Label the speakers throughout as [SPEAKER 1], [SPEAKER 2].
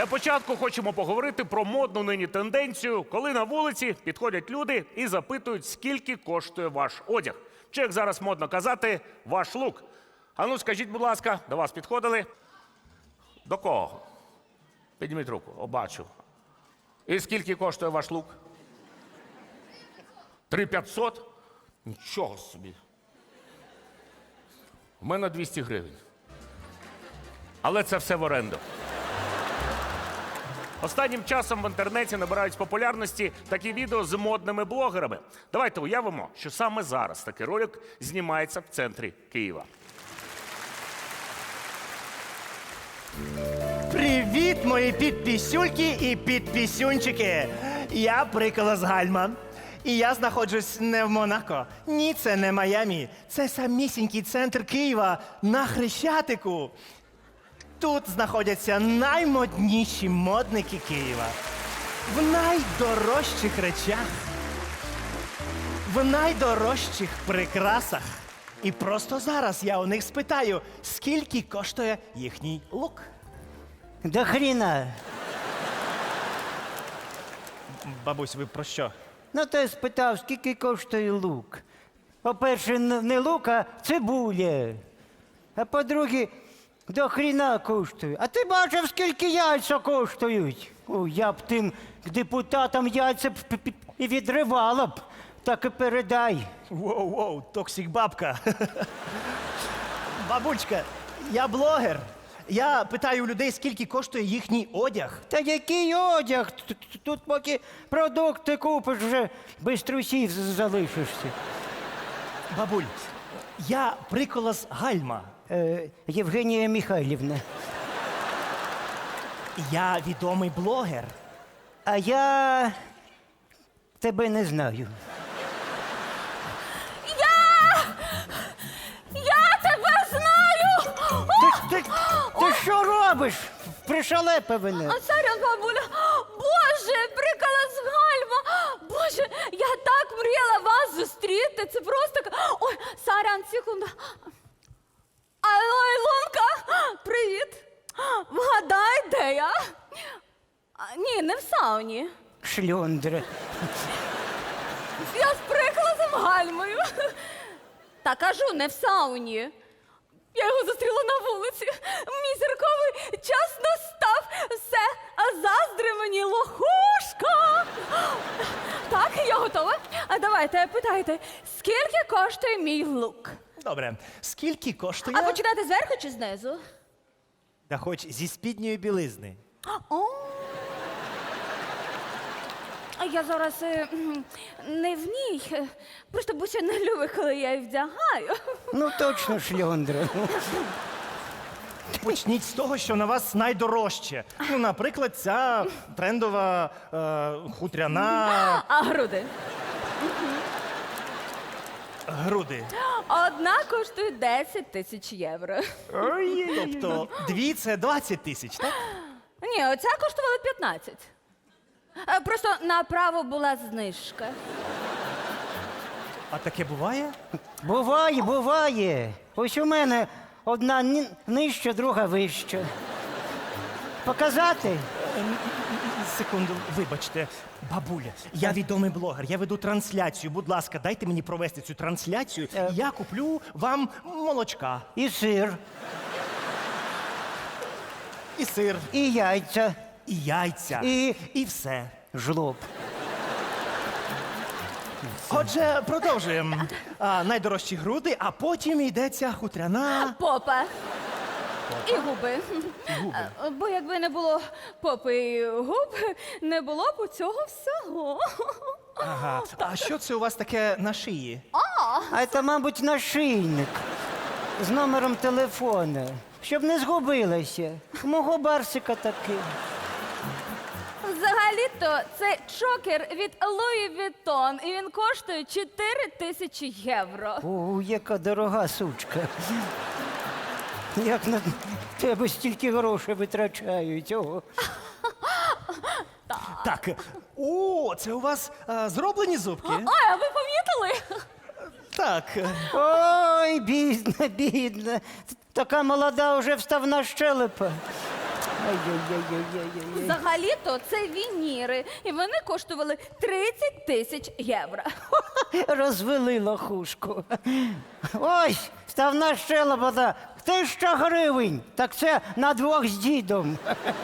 [SPEAKER 1] Для початку хочемо поговорити про модну нині тенденцію, коли на вулиці підходять люди і запитують, скільки коштує ваш одяг. Чи, як зараз модно казати, ваш лук. А ну, скажіть, будь ласка, до вас підходили? До кого? Підніміть руку, бачу. І скільки коштує ваш лук? 3500? Нічого собі. У мене 200 гривень. Але це все в оренду. Останнім часом в інтернеті набирають популярності такі відео з модними блогерами. Давайте уявимо, що саме зараз такий ролик знімається в центрі Києва.
[SPEAKER 2] Привіт, мої підпісюльки і підпісюнчики! Я Приколос Гальма. І я знаходжусь не в Монако. Ні, це не Майамі. Це самісінький центр Києва на Хрещатику. Тут знаходяться наймодніші модники Києва. В найдорожчих речах. В найдорожчих прикрасах. І просто зараз я у них спитаю, скільки коштує їхній лук.
[SPEAKER 3] До хріна.
[SPEAKER 2] Бабусь, ви про що?
[SPEAKER 3] Ну, ти спитав, скільки коштує лук. По-перше, не лук, а цибуля. А по-друге, до хріна коштує. А ти бачив, скільки яйця коштують? О, я б тим депутатам яйця б і відривала б. Так і передай.
[SPEAKER 2] Воу-воу, токсик бабка. Бабулечка, я блогер. Я питаю у людей, скільки коштує їхній одяг.
[SPEAKER 3] Та який одяг? Тут поки продукти купиш, вже без трусів залишишся.
[SPEAKER 2] Бабуль, я Приколос Гальма.
[SPEAKER 3] Євгенія Михайлівна.
[SPEAKER 2] Я відомий блогер.
[SPEAKER 3] А я тебе не знаю.
[SPEAKER 4] Я тебе знаю!
[SPEAKER 3] Ти що робиш? Пришалепивене.
[SPEAKER 4] Сорян, бабуля! Боже, Приколос Гальма! Боже, я так мріяла вас зустріти! Це просто... Ой, сорян, секунду. Алло, Ілонка! Привіт! Вгадай, де я? Ні, не в сауні.
[SPEAKER 3] Шльондра.
[SPEAKER 4] Я з Приколосом Гальмою. Та кажу, не в сауні. Я його зустріла на вулиці. Мій зірковий час настав. Все, а заздри мені лохушка. Так, я готова. А давайте, питайте, скільки коштує мій лук?
[SPEAKER 2] Добре, скільки коштує?
[SPEAKER 4] А починати зверху чи знизу?
[SPEAKER 2] Та хоч зі спідньої білизни.
[SPEAKER 4] О. А я зараз не в ній. Просто Буся не любить, коли я її вдягаю.
[SPEAKER 3] Ну точно шльондра.
[SPEAKER 2] Почніть з того, що на вас найдорожче. Ну, наприклад, ця трендова хутряна
[SPEAKER 4] А груди?
[SPEAKER 2] груди.
[SPEAKER 4] Одна коштує 10 тисяч євро.
[SPEAKER 2] Тобто дві це 20 тисяч, так?
[SPEAKER 4] Ні, оця коштувала 15. Просто направо була знижка.
[SPEAKER 2] А таке буває?
[SPEAKER 3] Буває, буває. Ось у мене одна нижча, друга вища. Показати?
[SPEAKER 2] Секунду, вибачте, бабуля, я відомий блогер, я веду трансляцію. Будь ласка, дайте мені провести цю трансляцію, і я куплю вам молочка.
[SPEAKER 3] І сир,
[SPEAKER 2] І сир,
[SPEAKER 3] і яйця,
[SPEAKER 2] і яйця, і все.
[SPEAKER 3] жлоб.
[SPEAKER 2] Отже, продовжуємо. Найдорожчі груди, а потім йдеться хутряна.
[SPEAKER 4] Попа. І губи. Бо якби не було попи і губ, не було б у цього всього.
[SPEAKER 2] Ага. А що це у вас таке на шиї?
[SPEAKER 3] А це, мабуть, нашийник з номером телефона, щоб не згубилася. У мого барсика такий.
[SPEAKER 4] Взагалі-то це чокер від Луї Віттон, і він коштує 4 тисячі євро.
[SPEAKER 3] О, яка дорога сучка. Як на тебе стільки грошей витрачають. О.
[SPEAKER 2] Так. О, це у вас зроблені зубки?
[SPEAKER 4] Ой, а ви помітили?
[SPEAKER 2] Так.
[SPEAKER 3] Ой, бідна, бідна. Така молода вже вставна щелепа. Ай-яй-яй-яй-яй-яй.
[SPEAKER 4] Взагалі-то це вініри, і вони коштували 30 тисяч євро.
[SPEAKER 3] Розвели лохушку. Ось, ставна щелепа, 1000 гривень. Так це на двох з дідом.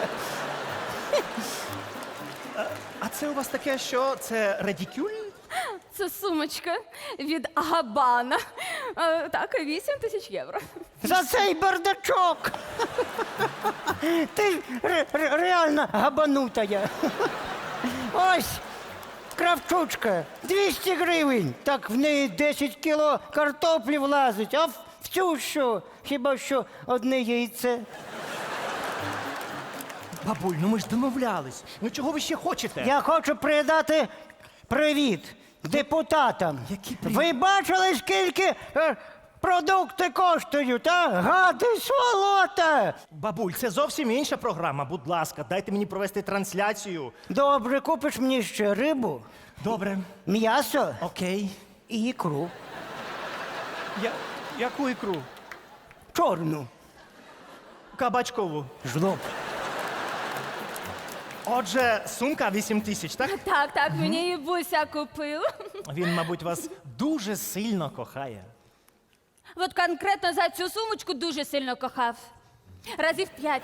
[SPEAKER 2] А це у вас таке що? Це редикюль?
[SPEAKER 4] Це сумочка від Габана. Так, 8 тисяч євро.
[SPEAKER 3] За цей бардачок. Ти ж реально габанутая. Ось, кравчучка, 200 гривень. Так в неї 10 кіло картоплі влазить. А в цю що? Хіба що одне яйце.
[SPEAKER 2] Бабуль, ну ми ж домовлялись. Ну чого ви ще хочете?
[SPEAKER 3] Я хочу передати привіт депутатам.
[SPEAKER 2] Який привіт?
[SPEAKER 3] Ви бачили, скільки продукти коштують, а? Гади, сволота!
[SPEAKER 2] Бабуль, це зовсім інша програма. Будь ласка, дайте мені провести трансляцію.
[SPEAKER 3] Добре, купиш мені ще рибу,
[SPEAKER 2] Добре.
[SPEAKER 3] м'ясо
[SPEAKER 2] Окей.
[SPEAKER 3] і ікру.
[SPEAKER 2] Яку ікру?
[SPEAKER 3] Чорну.
[SPEAKER 2] Кабачкову.
[SPEAKER 3] Жлоб.
[SPEAKER 2] Отже, сумка 8 тисяч, так?
[SPEAKER 4] Так, мені її Буся купив.
[SPEAKER 2] Він, мабуть, вас дуже сильно кохає.
[SPEAKER 4] От конкретно за цю сумочку дуже сильно кохав. Разів 5.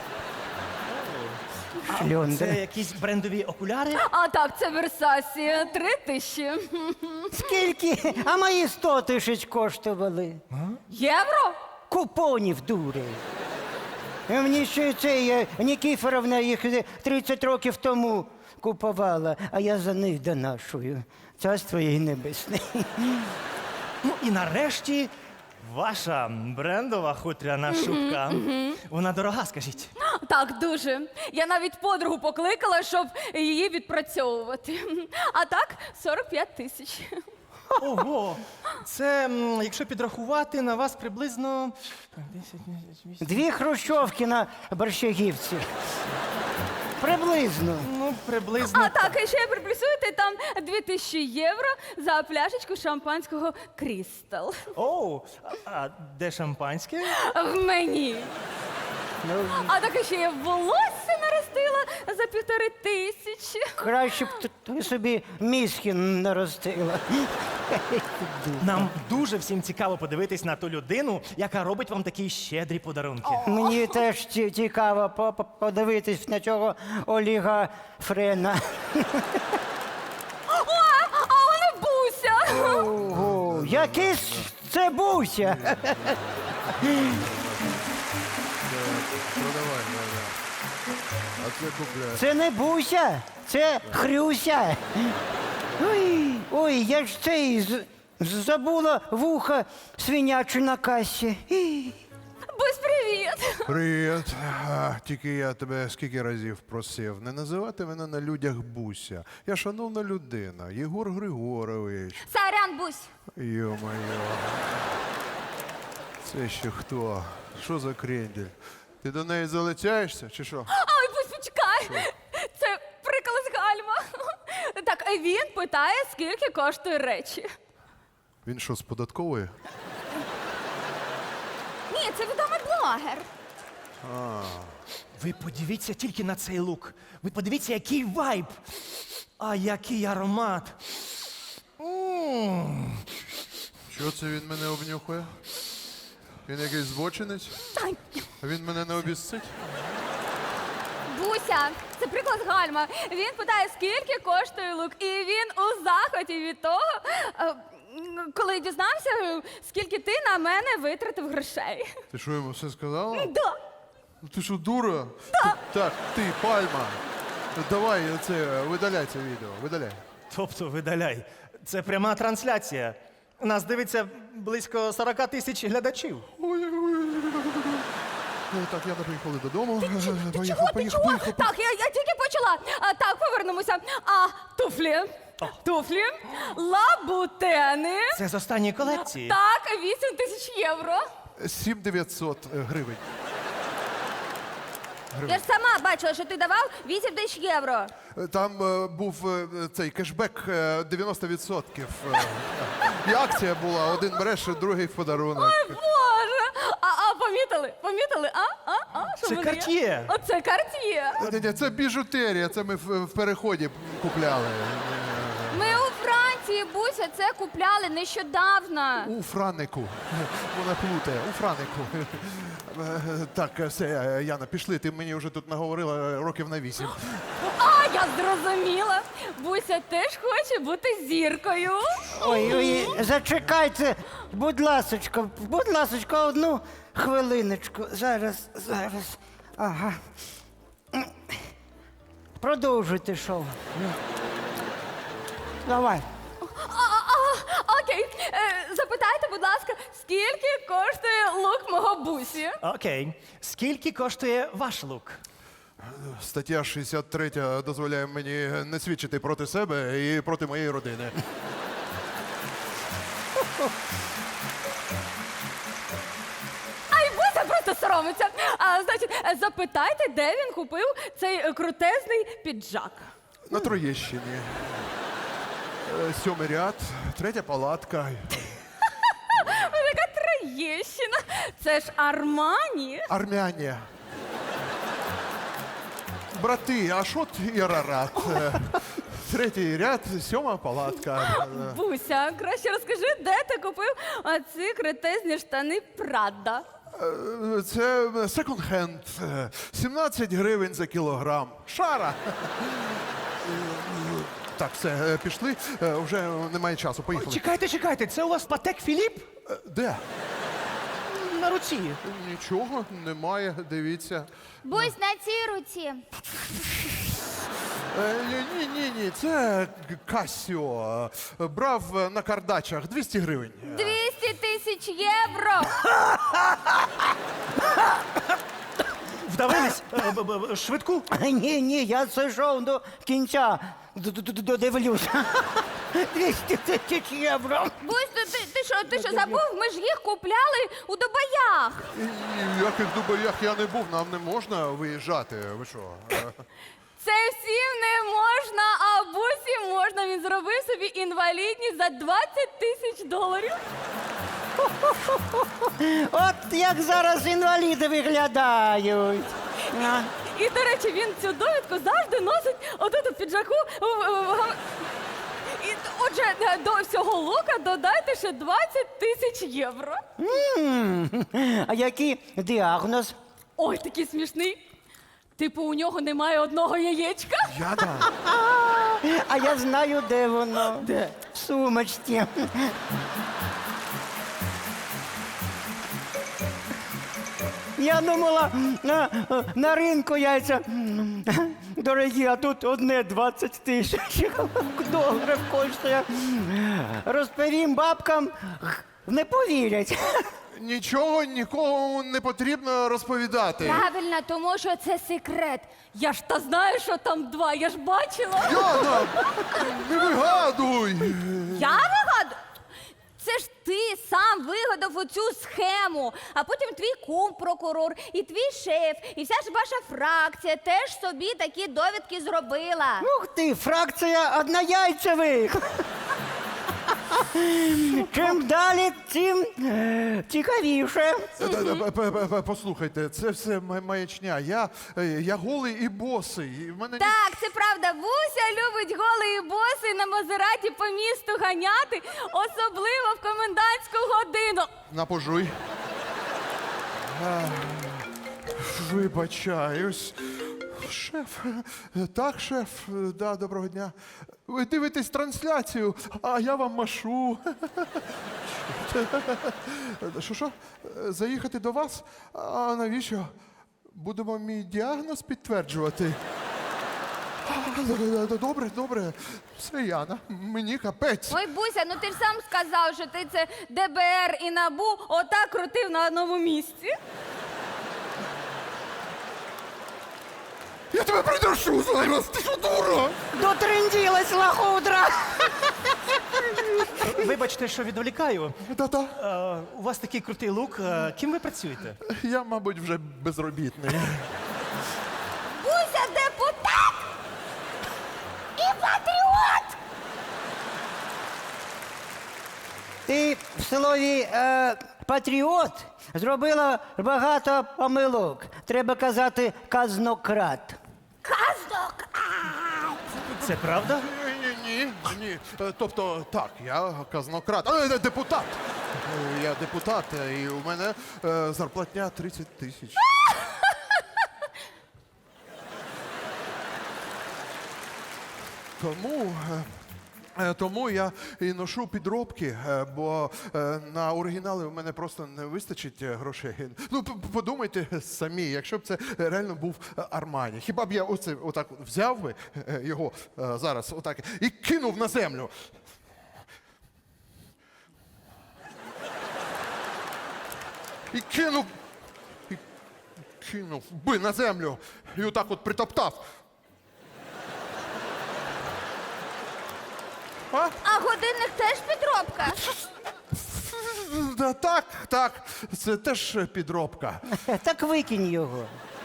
[SPEAKER 2] Це
[SPEAKER 3] Шльонда.
[SPEAKER 2] якісь брендові окуляри?
[SPEAKER 4] А так, це Версасі. 3 тисячі.
[SPEAKER 3] Скільки? А мої 100 тисяч коштували.
[SPEAKER 4] Євро?
[SPEAKER 3] Купонів, дури. І мені ще цей Нікіфоровна їх 30 років тому купувала, а я за них донашую. Царство їй небесне.
[SPEAKER 2] Ну і нарешті ваша брендова хутряна шубка. Вона дорога, скажіть.
[SPEAKER 4] Так, дуже. Я навіть подругу покликала, щоб її відпрацьовувати. А так, 45 тисяч.
[SPEAKER 2] Ого! Це, якщо підрахувати, на вас приблизно 10, 8.
[SPEAKER 3] 2 хрущовки на Борщагівці. Приблизно.
[SPEAKER 2] Ну, приблизно.
[SPEAKER 4] А так, і ще приплюсуєте там 2000 євро за пляшечку шампанського Крістал.
[SPEAKER 2] Оу, а де шампанське?
[SPEAKER 4] В мені. А так і ще я волосся наростила за 1500.
[SPEAKER 3] Краще б ти собі мізки наростила.
[SPEAKER 2] Нам дуже всім цікаво подивитись на ту людину, яка робить вам такі щедрі подарунки.
[SPEAKER 3] Мені теж цікаво подивитись на цього Оліга Френа.
[SPEAKER 4] А вона Буся.
[SPEAKER 3] Ого, який це Буся?
[SPEAKER 5] Продавай, да. А це купляй.
[SPEAKER 3] Це не Буся, це Хрюся. Ой, я ж цей забула вуха свиняче на касі.
[SPEAKER 4] Бусь, привіт.
[SPEAKER 5] Привіт. Тільки я тебе скільки разів просив не називати мене на людях Буся. Я шановна людина, Єгор Григорович.
[SPEAKER 4] Сорян, Бусь.
[SPEAKER 5] Йо-моє. Це ще хто? Що за крендель? Ти до неї залицяєшся чи що?
[SPEAKER 4] Ой, Бусь, почекай. Це прикол з Гальма. Так, він питає, скільки коштує речі.
[SPEAKER 5] Він що, з податкової?
[SPEAKER 4] Ні, це відомий блогер.
[SPEAKER 2] Ви подивіться тільки на цей лук. Ви подивіться, який вайб. А який аромат.
[SPEAKER 5] Що це він мене обнюхує? Він якийсь збочинець?
[SPEAKER 4] Ай,
[SPEAKER 5] Він мене не обіцить?
[SPEAKER 4] Буся, це приклад з Гальма. Він питає, скільки коштує лук. І він у захваті від того, коли дізнався, скільки ти на мене витратив грошей.
[SPEAKER 5] Ти що йому все сказала?
[SPEAKER 4] Да.
[SPEAKER 5] Ну ти що, дура? Так, ти, пальма. Давай це, видаляй це відео, видаляй.
[SPEAKER 2] Тобто, видаляй. Це пряма трансляція. Нас дивиться близько 40 тисяч глядачів.
[SPEAKER 5] Ну, так, я поїхали додому.
[SPEAKER 4] Чого? Так, я тільки почала. Так, повернемося. А туфлі? Туфлі? Лабутени?
[SPEAKER 2] Це з останньої колекції.
[SPEAKER 4] Так, 8 тисяч євро.
[SPEAKER 5] 7900 гривень.
[SPEAKER 4] Я ж сама бачила, що ти давав 8 тисяч євро.
[SPEAKER 5] Там був цей кешбек 90%. І акція була, один береш, другий в подарунок.
[SPEAKER 4] Боже! А помітили? Помітили, а? Що
[SPEAKER 2] Це
[SPEAKER 4] в мене є?
[SPEAKER 2] Cartier.
[SPEAKER 4] Оце Карт'є.
[SPEAKER 5] Ні, це біжутерія, це ми в переході купляли.
[SPEAKER 4] Ми у Франції, Буся, це купляли нещодавно.
[SPEAKER 5] У Франику. Вона плутає, у Франику. Так, все, Яна, пішли, ти мені вже тут наговорила років на 8.
[SPEAKER 4] А, я зрозуміла. Буся теж хоче бути зіркою.
[SPEAKER 3] Ой, зачекайте, будь ласочка, одну хвилиночку. Зараз. Ага. Продовжуйте шоу. Давай.
[SPEAKER 4] Окей, запитайте, будь ласка, скільки коштує лук мого Бусі?
[SPEAKER 2] Окей. Скільки коштує ваш лук?
[SPEAKER 5] Стаття 63 дозволяє мені не свідчити проти себе і проти моєї родини.
[SPEAKER 4] Ай, Буся просто соромиться. Значить, запитайте, де він купив цей крутезний піджак.
[SPEAKER 5] На Троєщині. 7-й ряд, 3-я палатка.
[SPEAKER 4] Яка Троєщина. Це ж Армані.
[SPEAKER 5] Армяне. Брати, Ашот і Арарат. 3-й ряд, 7-ма палатка.
[SPEAKER 4] Буся, краще розкажи, де ти купив оці крутезні штани Прада.
[SPEAKER 5] Це секонд-хенд. 17 гривень за кілограм. Шара. Так, все, пішли. Вже немає часу. Поїхали.
[SPEAKER 2] Чекайте, це у вас Патек Філіп?
[SPEAKER 5] Де?
[SPEAKER 2] На руці.
[SPEAKER 5] Нічого немає, дивіться.
[SPEAKER 4] Бусь на цій руці.
[SPEAKER 5] Ні, це Касіо. Брав на кардачах 200 гривень.
[SPEAKER 4] 200 тисяч євро.
[SPEAKER 2] Вдавились? Швидку?
[SPEAKER 3] Ні, я це шоу до кінця додивлюся. 200 тисяч євро.
[SPEAKER 4] Бусь, ти що забув? Ми ж їх купляли у Дубаях.
[SPEAKER 5] І в яких дубаях я не був, нам не можна виїжджати. Ви що?
[SPEAKER 4] Це всім не можна, а Бусі можна. Він зробив собі інвалідність за 20 тисяч доларів.
[SPEAKER 3] От як зараз інваліди виглядають. А.
[SPEAKER 4] І, до речі, він цю довідку завжди носить отут у піджаку. І, отже, до всього лука додайте ще 20 тисяч євро.
[SPEAKER 3] А який діагноз?
[SPEAKER 4] Ой, такий смішний. Типу, у нього немає одного яєчка.
[SPEAKER 5] Яна.
[SPEAKER 3] А я знаю, де воно. Де? В сумочці. Я думала, на ринку яйця дорогі, а тут одне 20 тисяч доларів коштує. Розповім бабкам, не повірять.
[SPEAKER 5] Нічого нікому не потрібно розповідати.
[SPEAKER 4] Правильно, тому що це секрет. Я ж та знаю, що там два, я ж бачила.
[SPEAKER 5] Яна, не вигадуй!
[SPEAKER 4] Я вигадую? Це ж ти сам вигадав оцю схему, а потім твій кум прокурор, і твій шеф, і вся ж ваша фракція теж собі такі довідки зробила.
[SPEAKER 3] Ух ти, фракція однояйцевих. Чим далі, тим цікавіше.
[SPEAKER 5] Послухайте, це все маячня. Я голий і босий. І в мене
[SPEAKER 4] Так, це правда. Буся любить голий боси на Мазераті по місту ганяти, особливо в комендантську годину.
[SPEAKER 5] Напожуй. Вибачаюсь. Шеф, так, шеф, да, доброго дня. Ви дивитесь трансляцію, а я вам машу. Що? Заїхати до вас? А навіщо? Будемо мій діагноз підтверджувати. Добре. Все, Яна, мені капець.
[SPEAKER 4] Ой, Буся, ну ти ж сам сказав, що ти це ДБР і НАБУ отак крутив на одному місці.
[SPEAKER 5] Я тебе придушу зараз, ти що, дура?
[SPEAKER 3] Дотренділась лахудра.
[SPEAKER 2] Вибачте, що відволікаю.
[SPEAKER 5] Та-та.
[SPEAKER 2] У вас такий крутий лук. Ким ви працюєте?
[SPEAKER 5] Я, мабуть, вже безробітний.
[SPEAKER 4] Буся депутат і патріот!
[SPEAKER 3] Ти в слові патріот зробила багато помилок. Треба казати казнократ.
[SPEAKER 2] Це правда?
[SPEAKER 5] Ні. Тобто, так, я казнократ. Депутат. Я депутат, і у мене зарплатня 30 тисяч. Тому я і ношу підробки, бо на оригінали в мене просто не вистачить грошей. Ну, подумайте самі, якщо б це реально був Армані. Хіба б я отак взяв би його зараз отак і кинув на землю? І кинув би на землю, і отак от притоптав.
[SPEAKER 4] А годинник теж підробка?
[SPEAKER 5] Так, це теж підробка.
[SPEAKER 3] Так викинь його.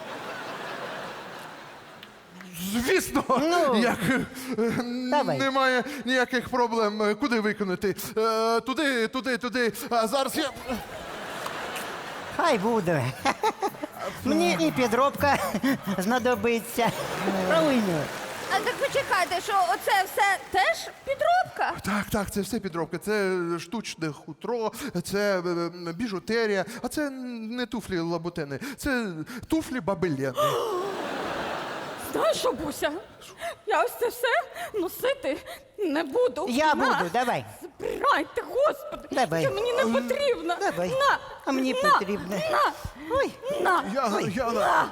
[SPEAKER 5] Звісно, як
[SPEAKER 3] Давай.
[SPEAKER 5] немає ніяких проблем. Куди виконати? Туди. А зараз я.
[SPEAKER 3] Хай буде. Мені і підробка знадобиться. Правильно.
[SPEAKER 4] А так почекайте, що оце все теж підробка?
[SPEAKER 5] Так, це все підробка. Це штучне хутро, це біжутерія, а це не туфлі лабутени, це туфлі баби Лени.
[SPEAKER 4] Знаєш що, Буся? Я ось це все носити не буду.
[SPEAKER 3] Я
[SPEAKER 4] На,
[SPEAKER 3] буду, давай.
[SPEAKER 4] Забирайте, господи.
[SPEAKER 3] Давай.
[SPEAKER 4] Це мені не потрібно.
[SPEAKER 3] Давай.
[SPEAKER 4] На.
[SPEAKER 3] А мені
[SPEAKER 4] на,
[SPEAKER 3] потрібно.
[SPEAKER 4] На.
[SPEAKER 3] Ой.
[SPEAKER 4] На.
[SPEAKER 5] Яна.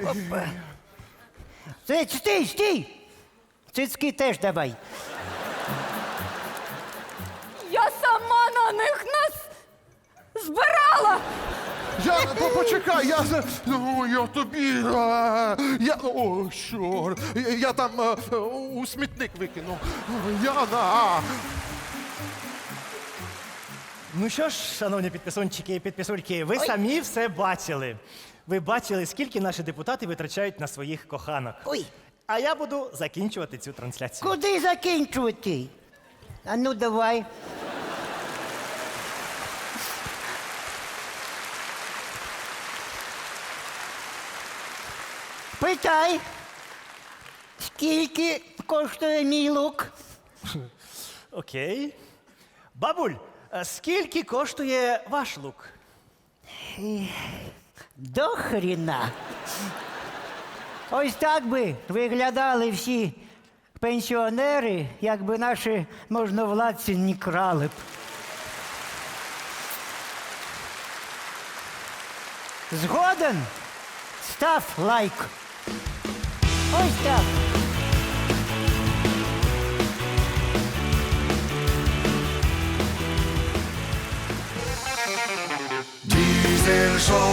[SPEAKER 3] Стій! Цицьки теж давай.
[SPEAKER 4] Я сама на них збирала.
[SPEAKER 5] Яна, почекай, я тобі. О, що? Я там у смітник викинув. Яна.
[SPEAKER 2] Ну що ж, шановні підписунчики і підписульки, ви самі все бачили. Ви бачили, скільки наші депутати витрачають на своїх коханок.
[SPEAKER 3] Ой,
[SPEAKER 2] А я буду закінчувати цю трансляцію.
[SPEAKER 3] куди закінчувати? А ну давай. Питай, скільки коштує мій лук?
[SPEAKER 2] Окей. Бабуль, а скільки коштує ваш лук?
[SPEAKER 3] До хріна. Ось так би виглядали всі пенсіонери, якби наші можновладці не крали б. Згоден? Став лайк. Ось так.
[SPEAKER 6] Diesel Show.